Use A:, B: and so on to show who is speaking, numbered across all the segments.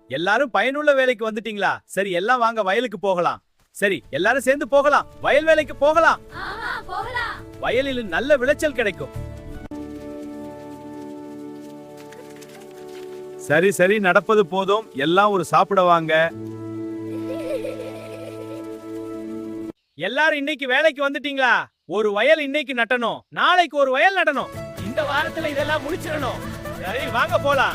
A: எல்லாரும் பயனுள்ள வேலைக்கு வந்துட்டீங்களா? சரி, எல்லாம் வாங்க வயலுக்கு போகலாம். சரி, எல்லாரும் சேர்ந்து போகலாம். வயல் வேலைக்கு போகலாம். வயலில் நல்ல விளைச்சல் கிடைக்கும். சரி சரி, நடப்பது போதும். எல்லாம் ஒரு சாப்பிட வாங்க. எல்லாரும் இன்னைக்கு வேலைக்கு வந்துட்டீங்களா? ஒரு வயல் இன்னைக்கு நட்டணும், நாளைக்கு ஒரு வயல் நடணும். இந்த வாரத்துல இதெல்லாம் முடிச்சிடணும். சரி, வாங்க போலாம்.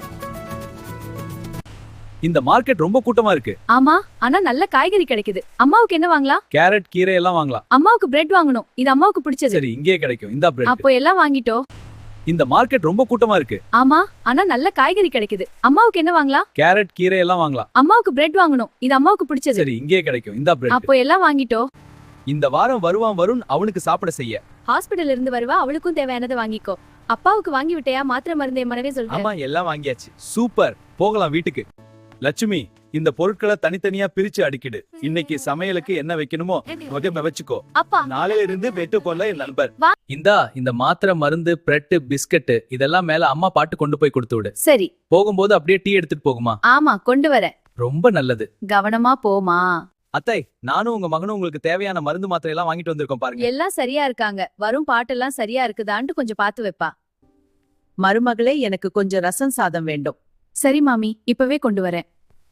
A: இந்த மார்க்கெட் ரொம்ப கூட்டமா இருக்கு.
B: ஆமா, ஆனா நல்ல காய்கறி கிடைக்குது. அம்மாவுக்கு என்ன வாங்கலாம்?
A: கேரட், கீரை எல்லாம் வாங்கலாம்.
B: அம்மாவுக்கு பிரெட் வாங்கணும். இது அம்மாவுக்கு பிடிச்சது.
A: சரி, இங்கே கிடைக்கும். இந்த பிரெட்.
B: அப்போ எல்லாம் வாங்கிட்டோ.
A: இந்த மார்க்கெட் ரொம்ப கூட்டமா இருக்கு.
B: ஆமா, ஆனா நல்ல காய்கறி கிடைக்குது. அம்மாவுக்கு என்ன வாங்கலாம்?
A: கேரட், கீரை எல்லாம் வாங்கலாம்.
B: அம்மாவுக்கு பிரெட் வாங்கணும். இது அம்மாவுக்கு பிடிச்சது.
A: சரி, இங்கே கிடைக்கும். இந்த பிரெட்.
B: அப்போ எல்லாம் வாங்கிட்டோ.
A: இந்த வாரம் வருவான் வருண் அவனுக்கு சாப்பிட செய்ய.
B: ஹாஸ்பிடல்ல இருந்து வருவா, அவளுக்கும் தேவையானதை வாங்கிக்கோ. அப்பாவுக்கு வாங்கி விட்டையா? மாத்திரை மருந்தே மனவே சொல்றேன்.
A: ஆமா, எல்லாம் வாங்கியாச்சு. சூப்பர், போகலாம் வீட்டுக்கு. லட்சுமி, இந்த பொருட்களை தனித்தனியா பிரிச்சு அடிக்கிடு. இன்னைக்கு சமையலுக்கு என்ன வைக்கணுமோ வச்சுக்கோ.
B: அப்பா,
A: நாளையில இருந்து வெட்டுக்கொள்ள என் நண்பர்.
B: வா.
A: இந்த மாத்திரை, மருந்து, பிரெட், பிஸ்கட் இதெல்லாம் மேல அம்மா பாட்டு கொண்டு போய் கொடுத்து விடு.
B: சரி.
A: போகும்போது அப்படியே டீ எடுத்துட்டு போகுமா?
B: ஆமா, கொண்டு வரேன்.
A: ரொம்ப நல்லது.
B: கவனமா போமா.
A: அத்தை, நானும் உங்க மகனும் உங்களுக்கு தேவையான மருந்து மாத்திரை எல்லாம் வாங்கிட்டு வந்திருக்கோம் பாருங்க.
B: எல்லாம் சரியா இருக்காங்க. வரும் பாட்டெல்லாம் சரியா இருக்குதான்ட்டு கொஞ்சம் பார்த்து வைப்பா.
C: மருமகளே, எனக்கு கொஞ்சம் ரசம் சாதம் வேண்டும்.
B: சரி மாமி, இப்பவே கொண்டு வரேன்.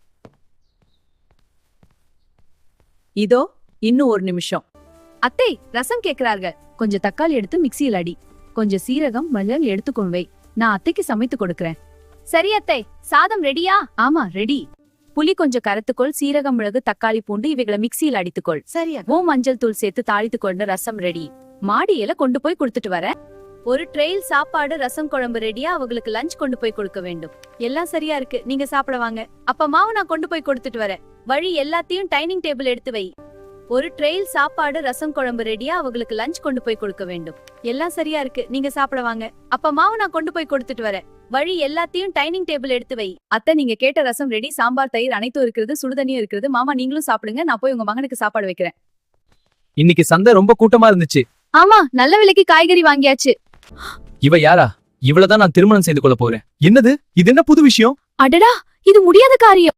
C: இதோ, இன்னும் ஒரு நிமிஷம்.
B: அத்தை, ரசம் கேக்குறார்கள். கொஞ்சம் தக்காளி எடுத்து மிக்சியில் அடி. கொஞ்சம் சீரகம், மஞ்சள் எடுத்துக்கொண்டு வை. நான் அத்தைக்கு சமைத்து கொடுக்கறேன். சரி அத்தை, சாதம் ரெடியா? ஆமா, ரெடி. புளி கொஞ்சம் கரைத்துக்கொள். சீரகம், மிளகு, தக்காளி, பூண்டு இவைகளை மிக்சியில் அடித்துக்கொள்.
C: சரியா?
B: மஞ்சள் தூள் சேர்த்து தாளித்து கொண்ட ரசம் ரெடி. மாடியில கொண்டு போய் கொடுத்துட்டு வரேன். ஒரு ட்ரெயில் சாப்பாடு, ரசம் குழம்பு ரெடியா? அவங்களுக்கு லஞ்ச் கொண்டு போய் கொடுக்க வேண்டும். எல்லாம் சரியா இருக்கு, நீங்க சாப்பிட வாங்க. அப்ப மாவு நான் கொண்டு போய் கொடுத்துட்டு வரேன். வழி எல்லாத்தையும் டைனிங் டேபிள் எடுத்து வை. ஒரு ட்ரெயில் சாப்பாடு, ரசம் குழம்பு ரெடியா? அவங்களுக்கு லஞ்ச் கொண்டு போய் கொடுக்க வேண்டும். எல்லாம் சரியா இருக்கு, நீங்க சாப்பிட வாங்க. அப்ப மாவு நான் கொண்டு போய் கொடுத்துட்டு வரேன். வழி எல்லாத்தையும் டைனிங் டேபிள் எடுத்து வை. அத்தை, நீங்க கேட்ட ரசம் ரெடி. சாம்பார், தயிர் அனைத்தும் இருக்கிறது. சுடுதண்ணியும் இருக்கிறது. மாமா, நீங்களும் சாப்பிடுங்க. நான் போய் உங்க மகனுக்கு சாப்பாடு வைக்கிறேன்.
A: இன்னைக்கு சந்தை ரொம்ப கூட்டமா இருந்துச்சு.
B: ஆமா, நல்ல விலைக்கு காய்கறி வாங்கியாச்சு.
A: இவ யாரா? இவ்வளவுதான் நான் திருமணம் செய்து கொள்ள போறேன். என்னது இது? என்ன புது விஷயம்?
B: அடடா, இது முடியாத காரியம்.